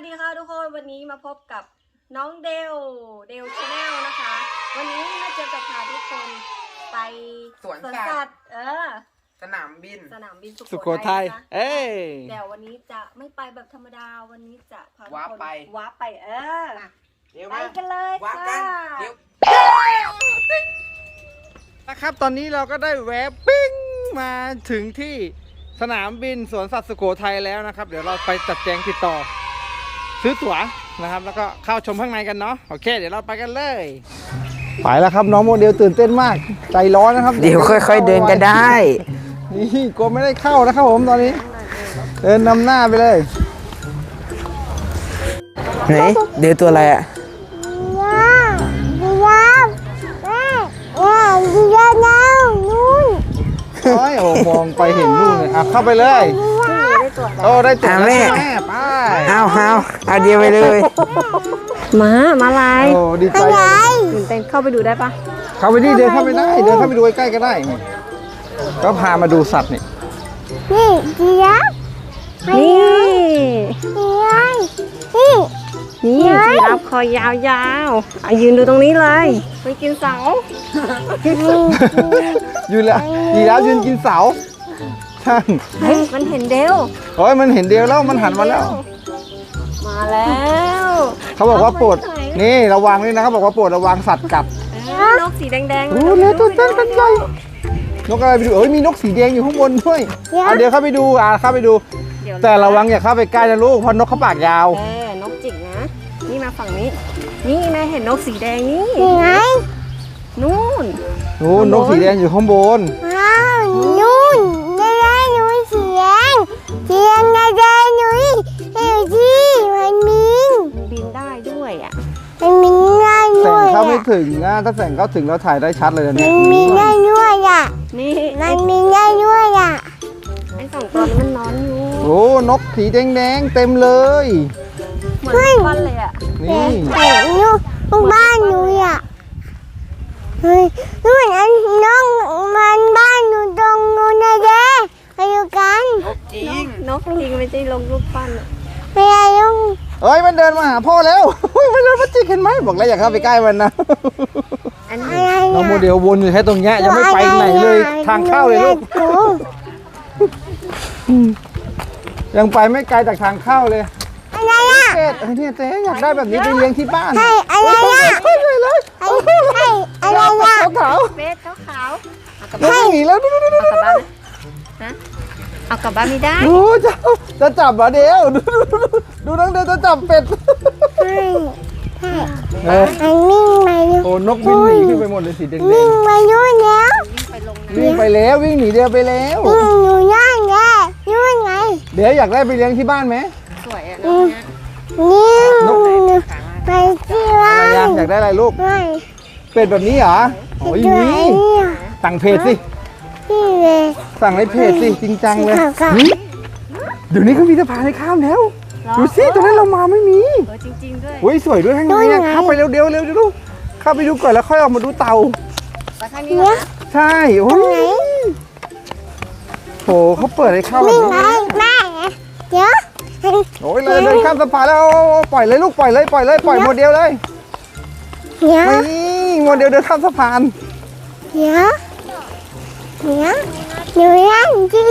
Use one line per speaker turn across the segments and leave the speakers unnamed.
ดีค่ะทุกคนวันนี้มาพบกับน้องเดลชาแนลนะคะ วันนี้มาเจอกับพาทุกคนไป
สวนสัตว์สนามบิน
สุโขทัย
เ
ดี๋ยววันนี้จะไม่ไปแบบธรรมดาวันนี้จะพาทุกคนว้าไปไปกันเลยค่ะ
นะครับตอนนี้เราก็ได้แวะปิ้งมาถึงที่สนามบินสวนสัตว์สุโขทัยแล้วนะครับเดี๋ยวเราไปจัดแจงติดต่อซื้อตั๋วนะครับแล้วก็เข้าชมข้างในกันเนาะโอเคเดี๋ยวเราไปกันเลยไปแล้วครับน้องโมเดลตื่นเต้นมากใจร้อนนะครับ
เดี๋ยวค่อยๆเดินกันได้
นี่กลัวไม่ได้เข้านะครับผมตอนนี้เดินนำหน้าไปเลย
ไหนเดี๋ยวตัวอะไรอ่ะ
โอ้ยมองไปเห็นนู่นเลยอ่ะเข้าไปเลยโอ้ได้ตั๋วแล้วแม่ไป
เอาเดียวไปเลย
มาลาย
โอ้ดีใจ
ตื่นเต้นเข้าไปดูได้ปะ
เข้าไปดิเดินเข้าไปได้เดินเข้าไปดูใกล้ๆก็ได้ก็พามาดูสัตว์นี่
จีราฟคอยาวๆยืนดูตรงนี้เลยไปกินเสา
ยืนแล้วจีราฟยืนกินเสาใช่
มันเห็นเดว
โอ้ยมันเห็นเดวแล้วมันหันมาแล้วเขาบอกว่าโปรดนี่ระวังด้วยนะเขาบอกว่าโปรดระวังสัตว์กัด
นกสีแดงๆ
โอ้เลยตัวเต้นกันใหญ่นกอะไรไปดูมีนกสีแดงอยู่ข้างบนด้วยเดี๋ยวเข้าไปดูเข้าไปดูแต่ระวังอย่าเข้าไปใกล้นะลูกเพราะนกเขาปากยาวน
กจิกนะนี่มาฝั่งนี้นี่แม่เห็นนกสีแดงนี่ไงนู่น
นกสีแดงอยู่ข้างบน
นู่นได้หนูเสียงได้หนูเฮ้ยที่มัน
บินได้ด้วยอ่ะ
มันบินได้ด้วย
แสงเข้าไม่ถึงนะถ้าแสงเข้าถึงเราถ่ายได้ชัดเลย
เนี่ยมันบินได้ด้วยอ่ะ
นี่
มันบินได้ด้วยอ่ะ
ไอ้สองตัวนี้มันนอนอยู่
นกสีแดงๆเต็มเลย
เหมือนบ้านเลยอ่ะ
นี่
ลูกบ้านหนูอ่ะเฮ้ยนู่นอันน้องมันบ้านหนูตรงนู้นนะเด้ไปดูกัน
นกจริงไม่ใช่ลงรูปปั้น
ไม่ใช่ลุง
มันเดินมาหาพ่อแล้วมันเดินมาจิกเห็นไหมบอกแล้วอย่าเข้าไปใกล้มันนะน้องโมเดลวนอยู่แค่ตรงเนี้ยยังไม่ไปไหนเลยทางเข้าเลยลูกยังไปไม่ไกลจากทางเข้าเลย
อะไรอ่ะ
เนี่ยเจ๊อยากได้แบบนี้ไปเลี้ยงที่บ้าน
อะไรอ่ะ
เลย
อะไรอ่ะ
ขาว
เบสขาว
หนีแล้ว
เอากลับบ้านไม่ได้
จะจับเหรอเดี๋ยวดูน้องเดี๋ยวจะจับเป็ด
วิ่งไป
นกบินหนีขึ้นไปหมดเลยสีแดง
วิ่งไปนู่นแล้ว
วิ่งไปแล้ววิ่งหนีเดียวไปแล้ว
อยู่นั่นไงนู่นไง
เดี๋ยวอยากได้ไปเลี้ยงที่บ้านไหม
สวยอ่ะ
นี่ไปที่บ้าน
อยากได้อะไรลูกเป็ดแบบนี้เหรอโอ้ยนี่สั่งเพจสิสั่งในเพจสิจริงจังเลยเดี๋ยวนี้เขามีสะพานให้ข้ามแล้วดูสิตอนนั้นเรามาไม่มี
จริงๆด้วย
โอ้ยสวยด้วยข้างในเข้าไปเร็วดูเข้าไปดูก่อนแล้วค่อยออกมาดูเต่า
ไปข้างนี้นะ
ใช่โอ้ยโหเขาเปิดให้เข้าแบบนี้
แม่เดี๋ยว
โอ้ยเลยเดินข้ามสะพานแล้วปล่อยเลยลูกปล่อยโมเดลเลยนี่โมเดลเดินข้ามสะพาน
เดี๋ยวหนูนั่งจี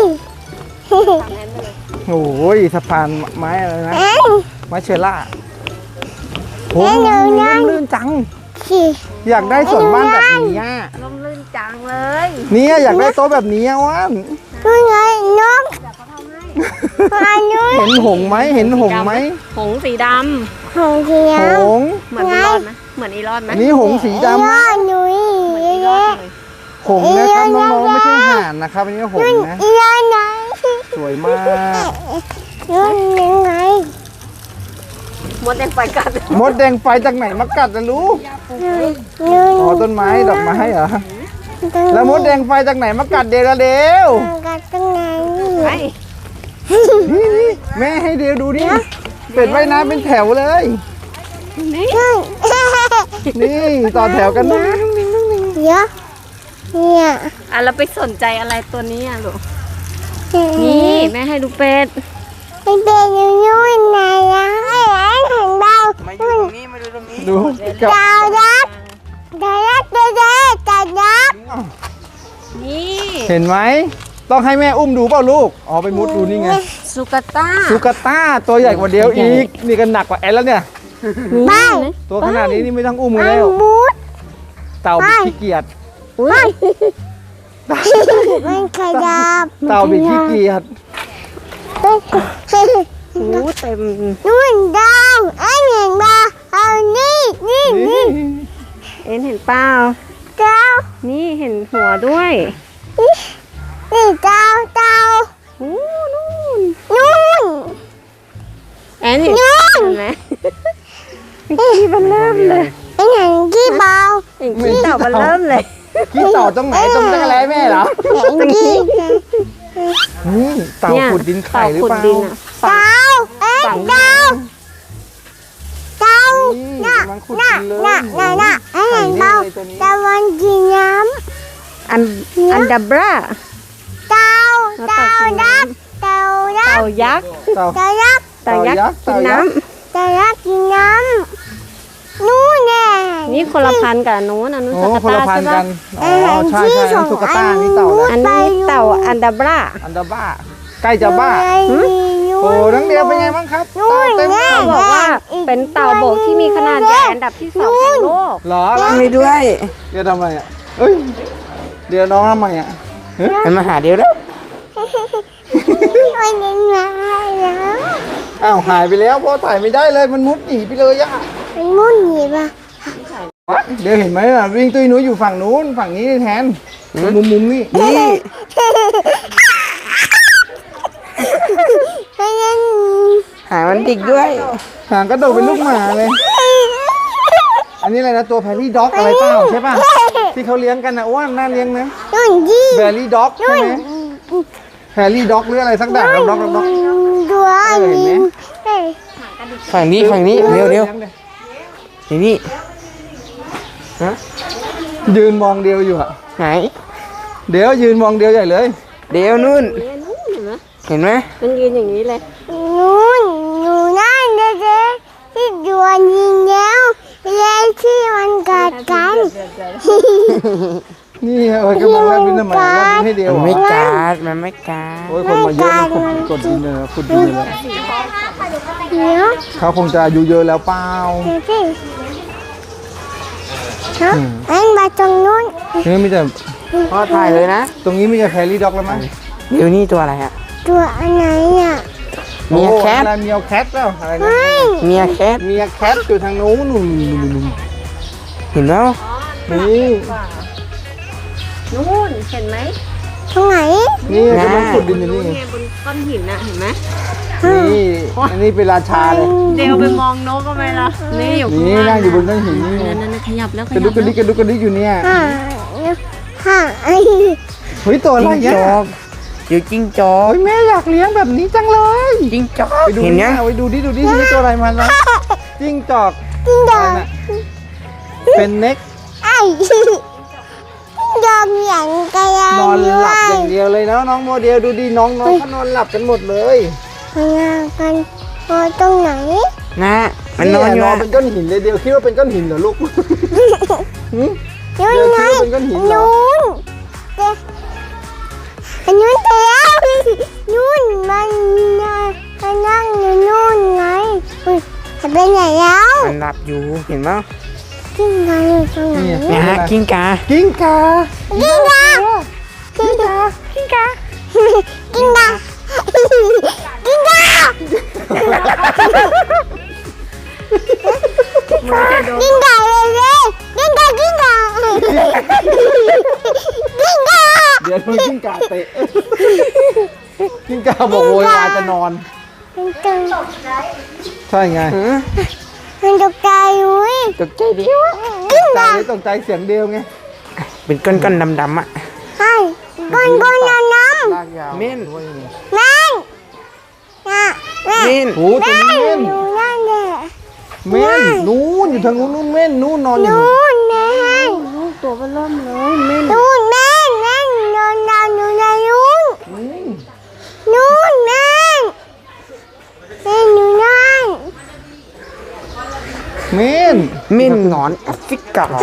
โอ้ยสะพานไม้อะไรนะไม้เชล่าโอ้ยลื่นจังอยากได้สวนบ้านแบบนี้
ล่มลื่นจังเลย
นี่อยากได้โต๊ะแบบนี้ว่าน
นู่นไงนก
เห็นหงไหม
หงสีด
ำหงสีด
ำเหมือนอีรอดไหม
อันนี้หงสีดำนะหงนะครับน้องๆไม่ใช่ห่านนะครับอันนี้หงนะสวยมาก
นู่นยังไง
มดแดงไฟกัด
จากไหนมากัดนะลูกต้นไม้ดอกไม้เหรอแล้วมดแดงไฟจากไหนมากัดเดว
กัดตรงไหน
นี่แม่ให้เดวดูดิเป็ดว่ายน้ำเป็นแถวเลยนี่ต่อแถวกันนะ
เนี่ย
เราไปสนใจอะไรตัวนี้ลูกนี่แม่ให้ดูเป็ด
เป็นอยู่นู่นไหน
กับ
ดาวยักษ์ดาวยักษ์ดาวยักษ์
นี่
เห็นไหมต้องให้แม่อุ้มดูเปล่าลูกอ๋อไปมุดดูนี่ไง
สุกาต้า
ซูกาต้าตัวใหญ่กว่าเดียวอีกนี่ก็หนักกว่าแอนแล้วเนี่ย
ไป
ตัวขนาดนี้นี่ไม่ต้องอุ้ม
ไป
แล้ว
มุด
เต่าบิดขี้เกียจ
มันขยับ
เต่าบิดขี้เกียจ
โอ้เต็ม
นู่นดาวไอ้เห็นปะเอานี่นี่
นี่
เอ็นเห็นเปล่า
ดาว
นี่เห็นหัวด้วย
นี่ดาว
โอ้นู่น
นู่น
แอนเห็นไหม
ที่มันเริ่มเลยไอ้เห็นที่เบา
เห็นขี้เต่ามันเริ่มเลย
ขี้เต่าตรงไหนตรงจักรแร้แม่เหรอ
เห็นที่
นี่เต่าขุดดินไข่หรือเปล่า
ต่ขุดดินอะ
ดาวเอ้ยดาวดาว
นี่
น่ะ
กำลังขุด
น่ะ
ดินเลย
น่ะไอ้เห็นเบาดาวมันกินน้
อันดับรา
ำดาวดาวยักษ์ดาวยั
เต่าก
ษ์
ยักษ์
เต่า
ดาวยักษ์
เต่ายักษ์กินน้
ดาวยักษ์กินน้ำนู่นแน่
ำนี่คนละพันธุ์กับอันนู้นอันนู้น
โอ้
สุ
คน
กา
ละ
ต้า
พัน
ใช่
กั
ปะ
นอ๋อใช่ใช่อันนั้นซูกาต้านี่เต่าแล้ว
อันนี้เต่าอันดับรา
อันดาบ้าใกล้จะบ้าโอ้นังเดียวเป็นไงบ้างครับเต่าเต็ม
เขาบอกว่าเป็นเต่าบกที่มีขนาดใหญ่อันดับที่ 2ของโลก
เหรอแล้ว
ไม่ด้วย
เดี๋ยวทำไมอ่ะเอ้ยเดี๋ยวน้องทำไมอ่ะ
มันมาหาเดียวแล้ว
มันยังไงแล้ว
อ้าวหายไปแล้วพ่อถ่ายไม่ได้เลยมันมุดหนีไปเลยอ่ะ
มันมุ่นหนีป่ะ
เดี๋ยวเห็นไหมอ่ะวิ่งตุ้ยหนูอยู่ฝั่งนู้นฝั่งนี้แทนมุมนี่
นี่
มันยัง
หามันดิกด้วย
หางกระโดดเป็นลูกหมาเลย อันนี้อะไรนะตัวแพรี่ด็อกอะไรเปล่าใช่ป่ะที่เขาเลี้ยงกันนะอ้วนน่าเลี้ยงนะ
นู่นยี่
แบรี่ด็อกใช่ไหมแพรี่ด็อกหรืออะไรสักอย่างด็อก
ตัว
เห็นไหม
นี้เฮ้ย
ฝั่งนี้เร็วนี่ฮะ
ยืนมองเดียวอยู่อ่ะ
ไหน
เดี๋ยวยืนมองเดียวใหญ่เลย
เดี๋ยวนู่น
เนี่ยนู่นเห็นไหม
เห็นไหม
มันยืนอย่างนี้เลย
นู่นอยู่นั่นเด็กๆที่ดวนยิงแล้วแล้วที่มันกัดกัน
นี่เอ้ยกำลังแลบลิ้นทำไมแลบลิ้นให้เดียว
มัน
เหร
ไม่
อ
กัดมันไม่กัด
โอ้ยคนมาเยอะมันกดดินเลยขุดดินเลย
เดี๋ยว
เขาคงจะอายุเยอะแล้วเปล่า
เดี๋ยวสิฮะอันมาตรงนู้น
นี่มีแต่
พ่อถ่ายเลยนะ
ตรงนี้มีแต่แพรี่ด็อกแล้วมั้ง
เดี๋ยวนี่ตัวอะไรฮะ
ตัวอันไหนอ่ะ
เมียแคท
อะไรเมียแคทแล้วอะไรนะ
เฮ้ย
เมียแคท
เมียแคทอยู่ทางนู้นนู่น
เห็นแล้ว
นี่
นู่นเห็นไหม
ตรงไหน
นี่กำลังขุดดินอยู่นี่
ไงบนก้อนหินน่ะเห็นไหม
นี่อันนี้เป็นราชาเลย
เดี๋ยวไปมองนกก็ไม่ละนี่อยู่ข้าง
นี่
ล่า
นั่
ง
งอยู่บนก้อนหินนี่
นั่นขยับแล้วข
กระ
ยั
ดุ
บ
กกระดิกกระดุกกระดิกอยู่เนี่ย
ฮ่าฮ่าไอ้
เฮ้ยตัวอะไร
จิ้งจ
เนี่ย
อกเดี๋ยวจิ้งจอก
โอ้ยแม่อยากเลี้ยงแบบนี้จังเลย
จิ้งจอก
ไปดู
เห็นยัง
ไปดูดินี่ตัวอะไรมันนะจิ้งจอก
จิ้งจ
อะ
อ
ไร
ก
น่ะเป็นเน็ก
ไอ้จิ้งจอกอย่างกระยาน
อน
ด้
ห
ว
ลับอย ย่างเดียวเลยนะน้องโมเดลดูดิน้องเขานอนหลับกันหมดเลย
พยากันพอตรงไหน
นะมันนอนอยู่
นอน
อะ
เป็นก้อนหินเลยเดียวคิดว่าเป็นก้อนหินเหรอลูกหืม
นู่น
เดี๋ยว
ไง
คิดว่าเป็นก้อนหินเหรอ
นู่นเด็กอันนู้นแล้วนู่นมันนั่งอยู่นู่นไงอุ้ยจะไปไหนแล้ว
มันหลับอยู่เห็นไหม
กิ้งไงอยู่ตรงไหน
นี่
เนี่ยฮะกิ้งกา
กิ้งกา
กิ้งกากิ้งกากิ้งกากิ้งกากิ้งกากิ้งกาเลยกิ้งกากิ้งกากิ้งกา
เดี๋ยวโดนกิ้งกาเตะกิ้งกาบอกโวยวายจะนอน
มันตก
ใช่ไง
หือ
มันตกใจอุ้ย
ตกใจเดียว
กิ้ง
ใจ
กา
ตกใจเสียงเดียวไง
เป็นก้อนๆดำๆอ่ะ
ใช่ก้นน้
ลากยาว
เม่น
ด้วยไง
ำแม่น่ะแม่
เม่น
โอ้ตัวนี้เม่น
อยู่นั่นแหละ
เม่นนู้นอยู่ทางนู้นนู่นเม่นนู้นนอนอยู่
นู่นแม่
ตัวมันเริ่มเลยเม่น
นู่นแม่แม่นอนนอนอยู่ในนู่น
อืม
นู่นแม่แม่อยู่นั่น
เม่น
เม่นหนอนแอฟริกา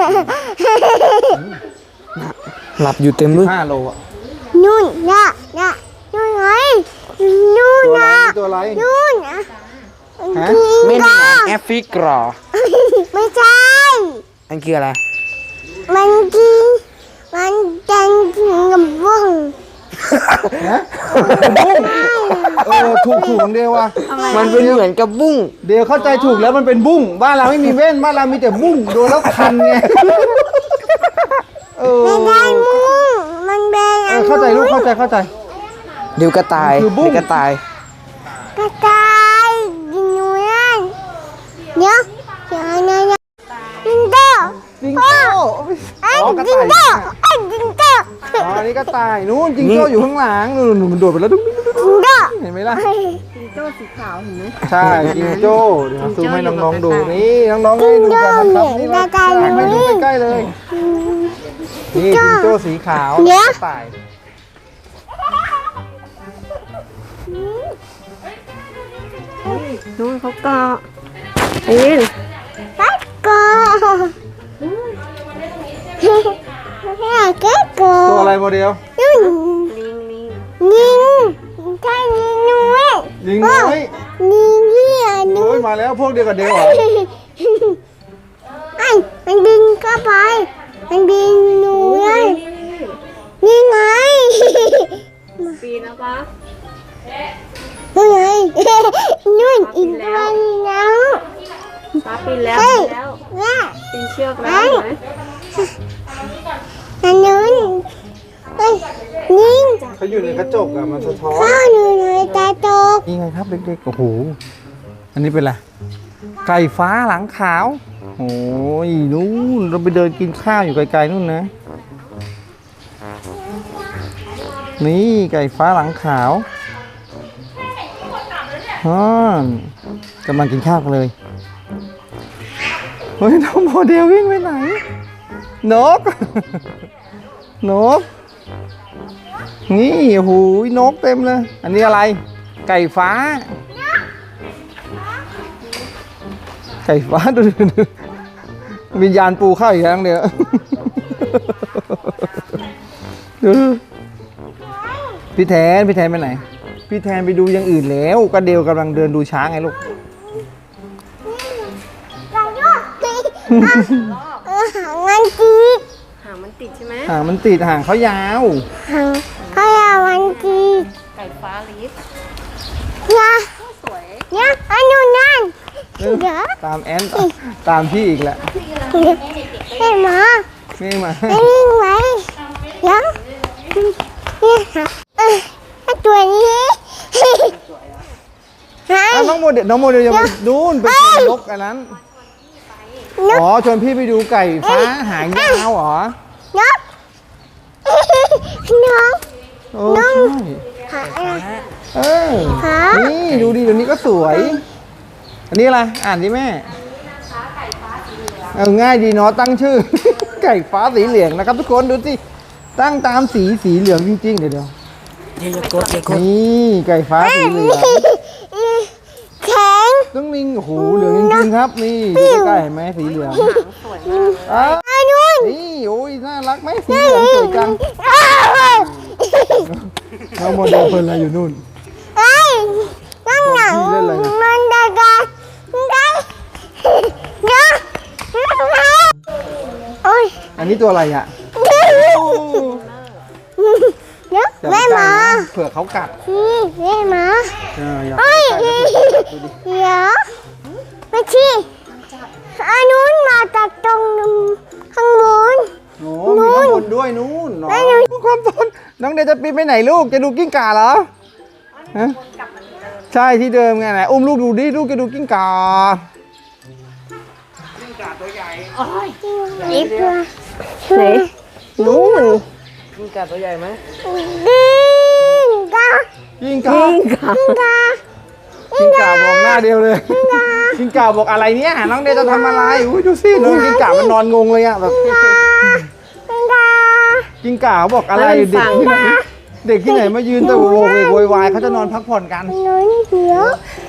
หลับอยู่เต็มเลย
5 โลอ่ะ
นู่นน่ะนู่นไงนู่น
ตัวอะไร
น่ะ
ตัวอะไร
นู่นน่ะ
ฮะ
เม่นหนอนแอฟริกา
ไม่ใช่
อันคืออะไร
มันกินมันจังกับบุ้ง
ฮะถูกของเดียวว่ะ
มันเป็นเหมือนกับบุ้ง
เดี๋ยวเข้าใจถูกแล้วมันเป็นบุ้งบ้านเราไม่มีเว้นบ้านเรามีแต่บุ้งโดนแล้วคันไง
ไม่ได้มุ้งมันเป็นอัน
เข้าใจลูกเข้าใจ
เดี๋ยวกระต่าย
คือบุ้ง
เดี๋ยวกระต่าย
กระต่ายกินอยู่นั่นเดี๋ยวจิงโจ้
จิงโจ้
ไอ้
อ๋อกระ
จิง
ต่าย
โจ้ไอ้จิงโจ้
อ๋ออันนี้กระต่ายนู้นจิงโจ้อยู่ข้างหลังนู่นมันโดดไปแล้วดุ๊ง
จิงโจ้
เห็นไหมล่ะ
จิงโจ้สีขาวเห็นไหม
ใช่จิงโจ้เดี๋ยวซูมให้น้องๆดูนี่น้องๆให้ดูกันนะครับนี่นะให้ดูใกล้ๆเลยนี่จิงโจ้สีขาวกระต่าย
นู่นเขาเกาะอิน
ไปก่อนแค่ก่อ
ตัวน อะไรโมเดล
นู่น
ลิง
ยิงใช่ยิงนุ้ย
ยิงน้อย
ยิงเหี้ยนุ้
โอ้
ย
ยมาแล้วพวกเดียวกับเดลเหรอ
ไอ้มันบินเข้าไปมันบินหนูเลยนี่ไง
ปีนะปะ
นู่นไงนู่นอีกตัวนึงแล้ว
ป้าปีนแล้ว
เฮ้ย
ปีนแล้ว
แม่
ปีนเชือกแล้วเห็นไหม
อันนู้นเฮ้ยนิ่ง
เขาอยู่ในกระจกอะมันสะท้อน
ข้าวหนูในตาตก
นี่ไงครับเด็กๆโอ้โหอันนี้เป็นอะไรไก่ฟ้าหลังขาวโอ้ยนู่นเราไปเดินกินข้าวอยู่ไกลๆนู่นนะนี่ไก่ฟ้าหลังขาวกำลังกินข้าวกันเลยเฮ้ยน้องโมเดลวิ่งไปไหนนก นกนี่โอ้โหนกเต็มเลยอันนี้อะไรไก่ฟ้า ไก่ฟ้าดูวิญญาณปูเข้าอีกครั้งเดียวดูพี่แทนไปไหนพี่แทนไปดูอย่างอื่นแล้วก็เดวกำลังเดินดูช้างไงลูก
หางมันจี
หางมันติดใช่ไหม
หางมันติดหางเขายาว
หางเขาอยากมันจี
ไก่ฟ้าลิฟ
นะ
สวย
เนี่ยอันนู้นนั่นเดี๋ยว
ตามแอนตามพี่อีกแหละ
เห็นไหม
นี่มา
ไม่วิ่งไหมเดี๋ยวเนี่ยค่ะตัวนี้หาย
น้องโมเดลยังไปนู่นไปชนนกอันนั้นอ๋อชวนพี่ไปดูไก่ฟ้าหางยาวเหรอน
กน้อง
โอ้ใช่
หาอะไร
เออ
ฮะ
นี่ดูดิเดี๋ยวนี้ก็สวย อันนี้อะไรอ่านดิแม่ง่ายดีเนาะตั้งชื่อ ไก่ฟ้าสีเหลืองนะครับทุกคนดูสิตั้งตามสีเหลืองจริงๆเดี๋ยว
อย่ากดอย่ากด
นี่ไก่ฟ้าสีเหลือง
แข็ง
ต้องนิ่งโอ้โหเหลืองจริงๆครับนี่ดูใกล้ๆเห็นไหมสีเหลือง
หางสวยมาก
อ้าว
อันนู้น
นี่โอ้ยน่ารักไหมสีเหลืองสวยจังน้องโมเดลเพลินอะไรอยู่นู่น
ไอ้นั่งหนังมันได้กันได้เดี๋ยวโอ้ย
อันนี้ตัวอะไรอ่ะ
เดี๋ยว
อย่
แม่
ไปใกล้
มา
นะเผื่อเขากัด
แม่มา
อย่า
เฮ้ย
ไปใกล้นะเผื่อเขากัดดูดิ
เดี๋ยวไม่ใช่อันนู้นมาจากตรงข้างบน
โอ้มีข้างบนด้วยนู้นเนาะ
แม่หนู
ความต้นน้องเดชจะปีนไปไหนลูกจะดูกิ้งก่าเหรอฮะใช่ที่เดิมไงไหนอุ้มลูกดูดิลูกจะดูกิ้งก่า
อีกตัว
ไหนนู่น
กิ้งก่าตัวใหญ่ไหม
ดิ้งกา
กิ้งก่า
ดิ้งกา
กิ้งก่าบอกหน้าเดียวเลยกิ้งก่าบอกอะไรเนี่ยน้องเดชจะทำอะไรอุ้ยดูสิน้องกิ้งก่ามันนอนงงเลยอะแบบ
ดิ้งกา
กิ้งก่าเขาบอกอะไรเด็กที่ไหนเด็กที่ไหนมายืนแต่โวกเวกโวยวายเขาจะนอนพักผ่อนกัน
อันนู้นเดี๋ยว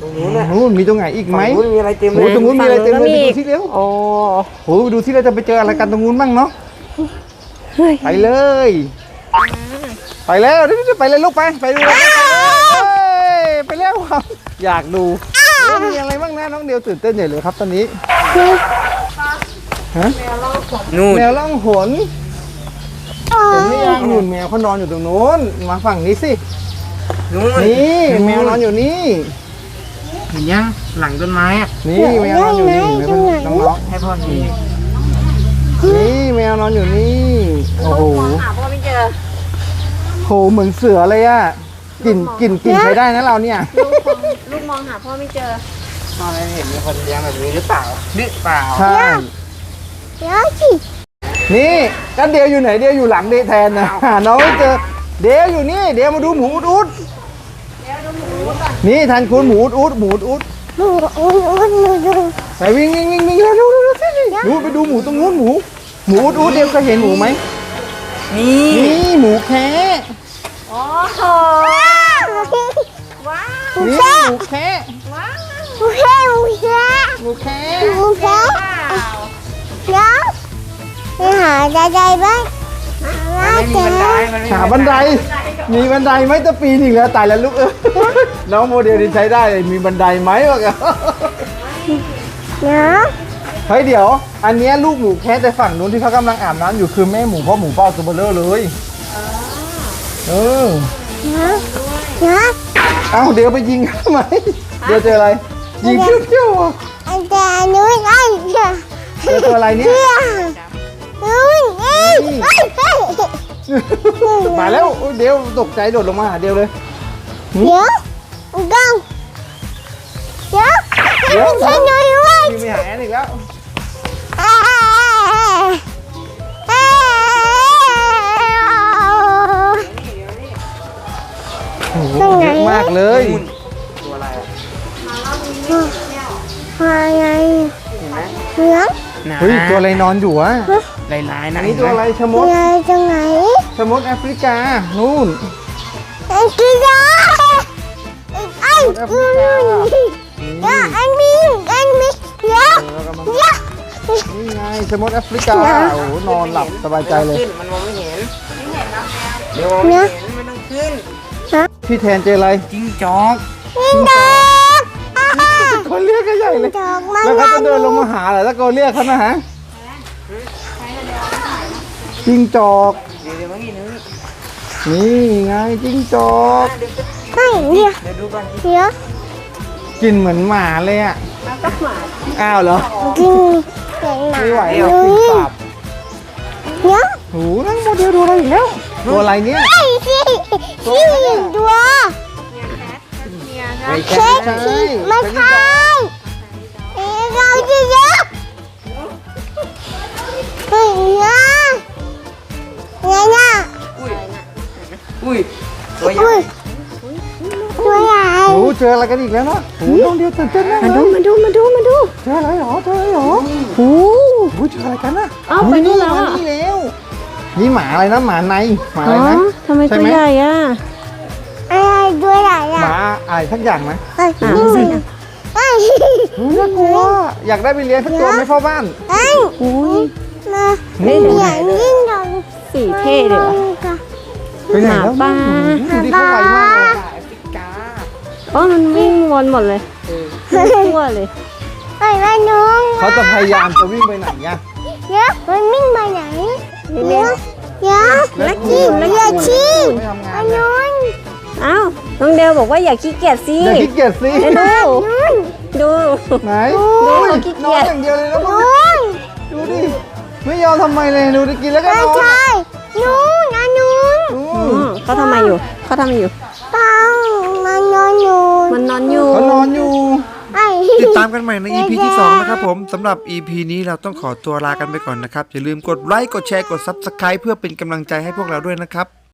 ตรงนู้นน่ะ
นู่นมีตรงไหนอีกไหม
ฝั่งนู้นมีอะไรเต็มเล
โอ้
ย
ตรงนู้นมีอะไรเต็มเลย
ฝั่
ไป
งนู้นก็มี
ดูที่เร็ว
โอ้
โอ้ไปดูที่เราจะไปเจออะไรกันตรงนู้นบ้างเนาะ
เฮ้ย
ไปเลยไปแล้วไปเลยลูกไปดูเลยไปแล้วครับอยากดูมีอะไรบ้างนะน้องเดียวตื่นเต้นใหญ่เลยครับตอนนี้ฮะ
นู่น
แมวล่องหนเห็นไหมยังนู่นแมวเขานอนอยู่ตรงนู้นมาฝั่งนี้สิ
นู่น
นี่แมวนอนอยู่นี่
เห็นยังหลังต้นไม้อะ
นี่แมวนอนอยู่นี่เห็นไหมน้อง
ให้พ่อนี่
ๆนี่แมวนอนอยู่นี่โอ้โห
หาพ่อไม่เจอ
โหเหมือนเสือเลยอะกลิ่นใช้ได้นะเราเนี่ย
ลูกมองหาพ่อไม่เจอ
พ่อไม่เห็นมีคนเลี้ยงแบบนี้หรือเปล่า
ใช่
เดี๋ยวสิ
นี่กันเดียวอยู่ไหนเดียวอยู่หลังเดแทนนะหาน้องไม่เจอเดียวอยู่นี่เดียวมาดูหมูอุดนี่ทันคุณหมูอุด
หนูดู
ไปวิ่งแล้วดูสิดูไปดูหมูตรงนู้นหมูอุดเดียวเคยเห็นหมูไหม
นี่
นี่หมูแคะ
โอ้โหว้าว
นี่หมูแคะ
หมูแค่
หมูแคะ
หมูแค่
เปล่า
เดี๋ยวไปหาใจบ้างหา
ไม่มีบันไดมันไม่มี
หาบันไดมีบันไดไหมจะปีนอีกแล้วตายแล้วลูกน้องโมเดลนี่ใช้ได้เลยมีบันไดไหมวะกัน
เดี๋ยว
เฮ้ยเดี๋ยว อันเนี้ยลูกหมูแคะแต่ฝั่งนู้นที่เขากำลังอาบน้ำอยู่คือแม่หมูเพราะหมูเป้าตัวเบลเลอร์เลยเออ
เดี๋ยว
เอ้าเดี๋ยวไปยิงทำไมเดี๋ยวเจออะไร ยิงเพี้ยวๆอ่ะ
อันแต่นู้นไอ้เดี๋ยว
เจอตัวอะไรเนี่ย
นู้นเอ้ย
มาแล้วโอ้ยเดี๋ยวตกใจโดดลงมาหาเดียวเลย
เดี๋ยวกังเดี๋ยวฉันหน่อยว่า
ยิงไปหาแอนอีกแล้วโอ้โหเยอะมากเลย
ตัวอะไรอะ
มาไง
เห็นไหม
เหลือง
เฮ้ยตัวอะไรนอนอยู่อ่ะ
ลายๆนะ
อันนี้ตัวอะไรชะมด
ไงตรงไหน
ชะมดแอฟริกานู่น
ไอ้กีฬาไอ้นู่นเดี๋ยวอันนี้เดี๋ยว
แล้วก็มา
เดี๋ยว
นี่ไงชะมดแอฟริกาโอ้โหนอนหลับสบายใจเลย
ขึ้นมันมองไม่เห็นเดี๋ยวมองไม่เห็นไม่ต้องขึ้น
พี่แทนเจออะไร
จิ้งจอก
นี่ดอก
คนเรียกก็ใหญ่เลย
ดอกมัน
แล้วเขาจะเดินลงมาหาเหรอแล้วก็เรียกเขานะฮะจิ้งจอก
เดี๋ยวเมื่อกี้นึง
นี่ไงจิ้งจอก
ไม่เดี๋ยว
เดี๋ยวดูก่อน
เดี๋ยว
กลินเหมือนหมาเลยอ่ะ
แล้วก็หมา
อ้าวเหรอ
กินเก่งหนา
ไม่ไหว
เล
หรอก
ย
กลินสาบ
เดี๋ยว
โอ้โหนั่งโมเดลดูอะไรอีกแล้วตัวอะไรเนี่ย
ไอ้ที่ตัว
ไม่
เช็ค
ใช่
ที่ไม่
เป็น
ใช่เราจะเยอะเฮ้ยเนี่ยเนี่ย
อุ้ยตัวใหญ่
อุ้ยตัวใหญ่
โอ้โหเจออะไรกันอีกแล้วเนาะโอ้โหน้องเดียวตื่นเต้นมากเลย
มาดู
เจออะไรหรอเจออะไรหรอ
โอ้
โอ้ยเจออะไรกันน่ะ
อ้าวไปนู่นแล้วอะ
มานี่แล้วนี่หมาอะไรนะหมาในหมาอะไรนะ
ทำไม
ใช่
ตัว
ไหม
ใหญ่อะ
อะไรตัวใหญ่
ห
อะ
มาอะไรสักอย่างไหม
เฮ้ยนี่เฮ้ย
เฮ้ยน่ากลัวอยากได้ไปเลี้ยงสักตัวไหม่พ่อบ้าน
เฮ้ย
อุ้ย
มา
นี่
ใหญ่ยิ่งดอง
สีเท่เลยอะ
ไปไหนแล้ว
หมาป่า
ดูดิเขาไวมากเลย
แอฟริกา
อ๋อมันวิ่งวนหมดเลยทั่วเลย
เฮ้ยแม่น้อง
เขาจะพยายามจะวิ่งไปไหนเนี่ย
เดี๋ยวมันวิ่งไปไหน
เร็ว
เดี๋ยวนักขี้นักขี้
ไม่ทำงาน
น้อง
ๆอ้าวน้องเดลบอกว่าอย่าขี้เกียจสิ
อย่าขี้เกียจสิ
เดี๋ยวดู
ไหน
ดูเขาขี้
น
เกี
อน
ยจ
อย่างเดียวเลยนะ
น้
มึ
อง ง
ดูดิไม่ยอมทำไมเลยดูดิกินแล้วก็
ไม่
นอน
ใช่น้องนะน้อง
อื
อื
ม
มเขาทำไมอยู่เขาทำอยู่
เปล่ามันนอนอยู่
มันนอนอยู่
เขานอนอยู่
ไอ้
ติดตามกันใหม่ใน EP ที่ 2 นะครับผมสำหรับ EP นี้เราต้องขอตัวลากันไปก่อนนะครับ อย่าลืมกดไลค์กดแชร์กด Subscribe เพื่อเป็นกำลังใจให้พวกเราด้วยนะครับ